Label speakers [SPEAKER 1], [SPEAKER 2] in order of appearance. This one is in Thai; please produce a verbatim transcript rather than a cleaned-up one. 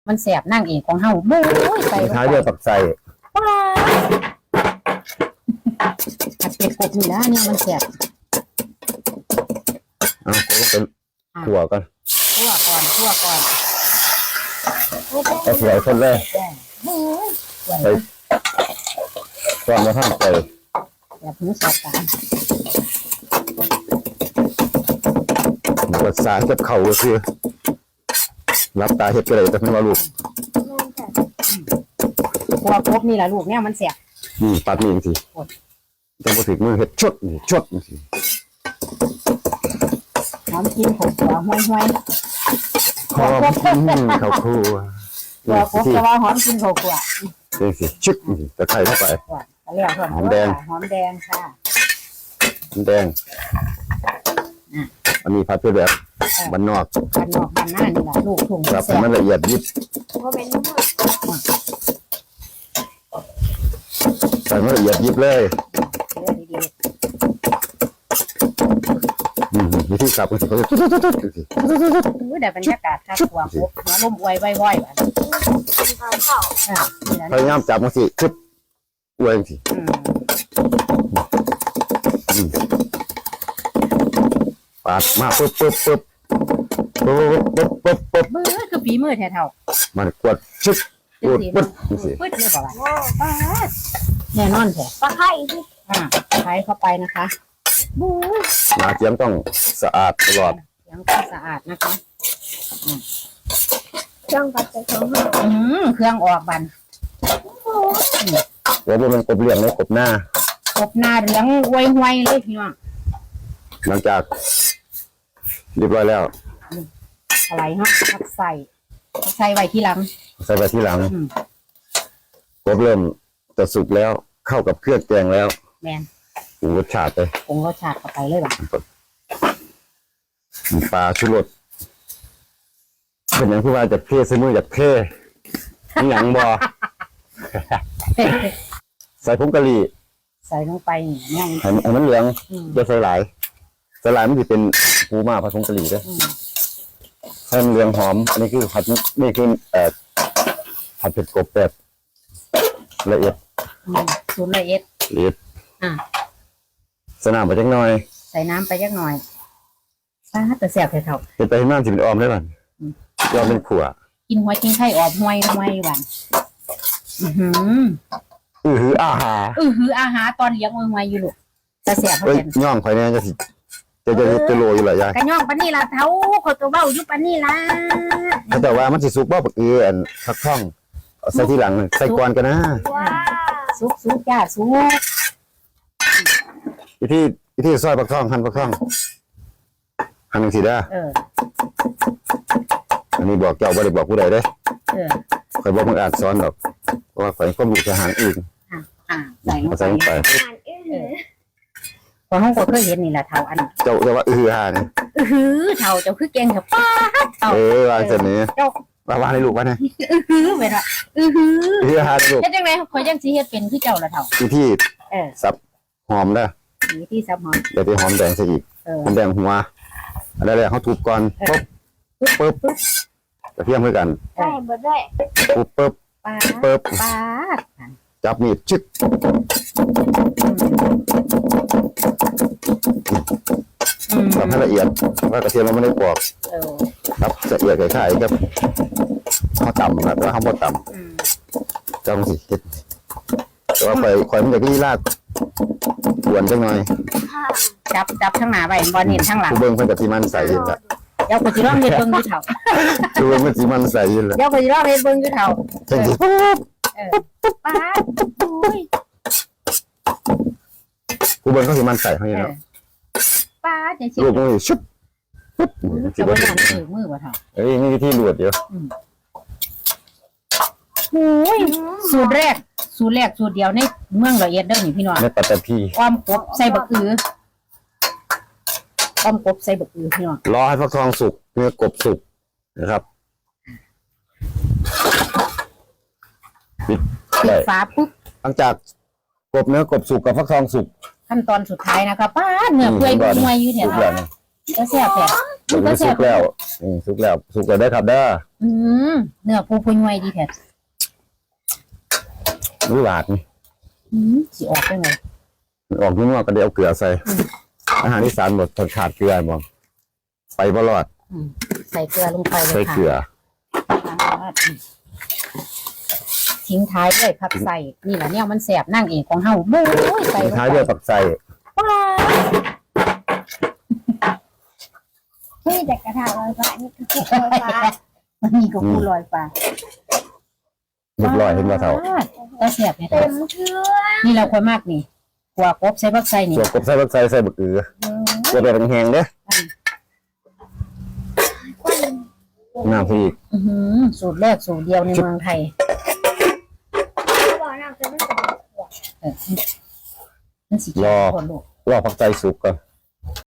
[SPEAKER 1] มันแสบนั่งเองของเฮาโบ้ยใส่ลง
[SPEAKER 2] ท้าย
[SPEAKER 1] ไป
[SPEAKER 2] ด้วยปักใส่
[SPEAKER 1] ผัดเป็ดกบนี่นะเนี่ยมันแสบ
[SPEAKER 2] เอาก็เป็นขั่วกัน
[SPEAKER 1] คั่วก่อนคั่วก่อน
[SPEAKER 2] เอาสวยคนแรก
[SPEAKER 1] โอ้ยสวย
[SPEAKER 2] ไปตอนมาท่านไป
[SPEAKER 1] แบบหูแสบตา
[SPEAKER 2] บทสารกับเขาก็คือรับตาเห็ดก็เลยแต่เพิ่งว่าลูก
[SPEAKER 1] คั่วกบนี่แหละลูกเนี่ยมันแสบ
[SPEAKER 2] นี่ปัดนี่สิต้องมาถึงมือเห็ดชดนี่ชดนี่สิ
[SPEAKER 1] หอมกินขบหัวห้วยห้วย
[SPEAKER 2] หอมข้าวคั่ว
[SPEAKER 1] หัวกบจะว่าหอมกินขบหัว
[SPEAKER 2] นี่สิชึกนี่ตะไคร้เข้าไป
[SPEAKER 1] เรียกว่าหอมแดงหอมแดงค่ะ
[SPEAKER 2] น้ำแดงอันนี้ผัดเพื่อแบบบ้านนอก
[SPEAKER 1] บ้านนอกบ้านหน้านี่แหละลูกถุง
[SPEAKER 2] ครับ
[SPEAKER 1] แสบ
[SPEAKER 2] มันละเอียดยิบ
[SPEAKER 3] ก็เป็นน้ำมัน
[SPEAKER 2] ใส่มันละเอียดยิบเลย
[SPEAKER 1] เลือดดี
[SPEAKER 2] อืมวิธีสับก็สิเขาจะตุ๊ดตุ๊ดตุ๊ดตุ๊ด
[SPEAKER 1] ๆอุ้ยได้บรรยากาศค่ะหัวกบหัวลมอวยว้อยๆแบบ
[SPEAKER 3] เป็นข้าวเผา
[SPEAKER 1] อ่านี่แหละ
[SPEAKER 2] พยายามจับมันสิชึบอวยสิ
[SPEAKER 1] อืม
[SPEAKER 2] อืมปาดมาปุ๊บปุ๊บปุ๊บปุ๊บปุ๊บปุ๊บปุ๊บ
[SPEAKER 1] มือคือฝีมือแท้เท่า
[SPEAKER 2] มันกดชึบกดปุ๊บนี่สิ
[SPEAKER 1] ปึ๊ดเลยบอกว่า
[SPEAKER 3] โอ้
[SPEAKER 1] ป๊าดแน่นอนแท้
[SPEAKER 3] ปลาไข่ที่
[SPEAKER 1] อ่าใช้เข้าไปนะคะบู๊
[SPEAKER 2] หนาเจียมต้องสะอาดตลอด
[SPEAKER 1] ยังต้องสะอาดนะคะ
[SPEAKER 3] เครื่องปัดเป็นของเรา
[SPEAKER 1] อืมเครื่องออกบัน
[SPEAKER 2] แล้วมันกบเลี้ยงเลยกบหน้าก
[SPEAKER 1] บหน้าเหลืองอวยห้วยเลยพี่น้อง
[SPEAKER 2] หลังจากเรียบร้อยแล้ว
[SPEAKER 1] อะไรฮะผักใส่ผักใส่ไว้ที่หลัง
[SPEAKER 2] ใส่ไปที่หลัง
[SPEAKER 1] อืม
[SPEAKER 2] กบเริ่มจะสุกแล้วเข้ากับเครื่องแกงแล้ว
[SPEAKER 1] แมน
[SPEAKER 2] ปรุงรสชาติไป
[SPEAKER 1] ปรุงรสชาติเข้าไปเลยบ่ะ
[SPEAKER 2] มีปลาชุรสเป็นอย่างที่ว่าจากเพ่ซื้อมือจากเพ่มีหยังบอ ใส่ผงกะหรี่
[SPEAKER 1] ใส่ลงไปเนี่ย
[SPEAKER 2] ให้ให้มันเหลือง
[SPEAKER 1] อืม
[SPEAKER 2] จะใส่หลายใส่หลายมันจะเป็นปูมาผสมกะหรี่ด้วย
[SPEAKER 1] อืม
[SPEAKER 2] ให้มันเหลืองหอม อันนี้คือผัดนี่คือเอ่อผัดเผ็ดกบแบบละเอียด
[SPEAKER 1] อืมสูตรละเอียด
[SPEAKER 2] ละเอียด
[SPEAKER 1] อ่ะ
[SPEAKER 2] สนามไปจักหน่อย
[SPEAKER 1] ใส่น้ำไปจักหน่อยป้าดแต่แสบเท่า
[SPEAKER 2] เป็นไปให้มันสิเป็นออมได้บ้าง
[SPEAKER 1] อืม
[SPEAKER 2] ยอมเป็นขั่ว
[SPEAKER 1] ๆกินหัวกินไข่ออกห้วยห้วยบันอือหือ
[SPEAKER 2] อือหืออาหาร
[SPEAKER 1] อือหืออาหารตอนเลี้ยงห้วยห้วยอยู่ลูกแต่แสบเขา
[SPEAKER 2] เอ้ย
[SPEAKER 1] เป็น
[SPEAKER 2] ย่องไฟเนี่ยจะสิจะจะจะโรยอยู่หลายอย่าง
[SPEAKER 1] กระย่องปานนี่ละเท้าเขาตัวเบ้าอยู่ปานนี่ละ
[SPEAKER 2] เขาแต่ว่ามันสิสุกบ่ปักเอืออันพักท่องเอาใส่ที่หลังใส่ก่อนกันนะ
[SPEAKER 3] ว้า
[SPEAKER 1] สุกสุกจ้าสุก
[SPEAKER 2] วิธีวิธีซอยปักท่องหั่นปักท่องหั่นจังซี่เด้อ
[SPEAKER 1] เออ
[SPEAKER 2] อันนี้บอกเจ้าบ่ได้บอกผู้ใดเด้
[SPEAKER 1] เออ
[SPEAKER 2] ข่อยบ่มึงอาจสอนดอกเพราะว่าข่อยก็รู้ทหารอื่น
[SPEAKER 1] อ่ะอ่ะใส่ลง
[SPEAKER 2] เอา
[SPEAKER 1] ไป
[SPEAKER 2] ใส่ลงไป
[SPEAKER 3] อาหารอื้อหือ
[SPEAKER 1] พอห้องก็เคยเห็นนี่แหละเท้าอัน
[SPEAKER 2] เจ้าเจ้าว่าอือหานี่
[SPEAKER 1] อือหือเท้าเจ้าคือเก่งเถอะป้าดเท้า
[SPEAKER 2] เออวางเสร็จนี้
[SPEAKER 1] เจ้า
[SPEAKER 2] ว่าว่าให้ลูกว่านะ
[SPEAKER 1] อือหือไปละอือหือ
[SPEAKER 2] อือหาลูก
[SPEAKER 1] เฮ็ดจังไดข่อยยังสิเฮ็ดเป็นคือเจ้าละเท้า
[SPEAKER 2] วิธี
[SPEAKER 1] เออ
[SPEAKER 2] สับหอมเด้อ
[SPEAKER 1] มีที่ซับหอม
[SPEAKER 2] เดี๋ยวไปหอมแดงซะอีก
[SPEAKER 1] เออ
[SPEAKER 2] หอมแดงหัวอันแรกๆเขาทุบก่อนปุ๊บปุ๊บปุ๊บกระเทียมด้วยกัน
[SPEAKER 3] ได้หมดด้วย
[SPEAKER 2] ปุ๊บปุ๊บ
[SPEAKER 1] ป้าด
[SPEAKER 2] ปุ๊บ
[SPEAKER 1] ป้าด
[SPEAKER 2] จับมีดชึก
[SPEAKER 1] อืม
[SPEAKER 2] สับให้ละเอียดว่ากระเทียมเราไม่ได้ปอก
[SPEAKER 1] เออ
[SPEAKER 2] ครับละเอียดคล้ายๆกับข้าวต่ำนะแต่ว่าข้าวบดต่
[SPEAKER 1] อืม
[SPEAKER 2] ำจังสิเฮ็ดแต่ว่าข่อยข่อยมันจะที่ลาดกวนจังหน่อย
[SPEAKER 3] ค่ะ
[SPEAKER 1] จับจับข้างหน้าไว้บ่เห็นข้างหลัง
[SPEAKER 2] ผู้เบิ่งเพิ่นก็สิมันใส่ยินละ
[SPEAKER 1] เดี๋ยวก็สิลองเฮ็ดเบิ่งอยู่เท้า
[SPEAKER 2] ผู้เบิ่งเพิ่นสิมันใส่ยินละ
[SPEAKER 1] เดี๋ยวก็สิลองเฮ็ดเบิ่งอยู่เท้า
[SPEAKER 2] จังสิ
[SPEAKER 1] เออป้าดโอ้ย
[SPEAKER 2] ผู้เบิ่งเขาสิมันใส่เฮาอยู่
[SPEAKER 1] เออ
[SPEAKER 2] เนาะ
[SPEAKER 1] ป้าดจังซี่
[SPEAKER 2] ลูกมันสิชุบปุ๊บสิ
[SPEAKER 1] จะ
[SPEAKER 2] บ่
[SPEAKER 1] บ่
[SPEAKER 2] เห็
[SPEAKER 1] ทาน นถือมือบ่เท้า
[SPEAKER 2] เอ้ยมีวิธีลวดเดียว
[SPEAKER 1] โอ้ยสูตรแรก สูตรแรกสูตรเดียวในเมืองละเอียดเด้อนี่พี่น้อง
[SPEAKER 2] ในปัตตภี
[SPEAKER 1] อ้อมกบใส่บักอืออ้อมกบใส่บักอือพี่น้อง
[SPEAKER 2] รอให้ฟักทองสุกเนื้อกบสุกนะครับปิด
[SPEAKER 1] ปิ
[SPEAKER 2] ได้
[SPEAKER 1] ดฝาปุ๊บ
[SPEAKER 2] หลังจากกบเนื้อกบสุกกับฟักทองสุก
[SPEAKER 1] ขั้นตอนสุดท้ายนะคะป้าดเนื้อเปื่อย
[SPEAKER 2] ก่อน
[SPEAKER 1] มวยอยู่เนี่ย
[SPEAKER 2] สุกแล้วนี่
[SPEAKER 1] จะแซ่บแท้
[SPEAKER 2] มันก็สุกแล้วนี่สุกแล้วสุกแล้วได้ครับเด้อ
[SPEAKER 1] อืมเนื้อปูปุยไวดีแท้
[SPEAKER 2] รู้หลาดนี่
[SPEAKER 1] อืมสิออกได้ไง
[SPEAKER 2] ออกนุ่มๆก็ได้เอาเกลือใส่อาหารอีสานหมดทนขาดเกลือมองไปบ่รอด
[SPEAKER 1] อืมใส่เกลือลงไปเลย
[SPEAKER 2] ใส่
[SPEAKER 1] ค่ะ
[SPEAKER 2] เกลือ
[SPEAKER 1] ทิ้งท้ายด้วยผักใส่นี่แหละเนี่ยมันแสบนั่งเองของเฮาบู๊ยใส่ลง
[SPEAKER 2] ท้าย
[SPEAKER 1] ไป
[SPEAKER 2] ด้วยปักใส่
[SPEAKER 1] ว้าว
[SPEAKER 3] นี่แต่กระทะลอยฟ้านี่คือลอยฟ้า
[SPEAKER 1] มันมีกับปูลอยฟ้า
[SPEAKER 2] เรียบร้อยเห็นว่าเท่า
[SPEAKER 1] ก็แสบเนี่ย
[SPEAKER 3] เต็มเครื่อง
[SPEAKER 1] นี่เราควรมากนี่กว่ากบใส่ผักใส่นี่
[SPEAKER 2] ส่วนกบใส่ปักใส่ใส่บักเอือจะได้แห้งๆเด้อน้ำพี่อีก
[SPEAKER 1] อื้อหือสูตรแรกสูตรเดียวในเมืองไทย
[SPEAKER 3] บอกน้ำจะไม่ใส่
[SPEAKER 1] เออมันสีเขียวคนลูก
[SPEAKER 2] รอผักใส่สุกก่อน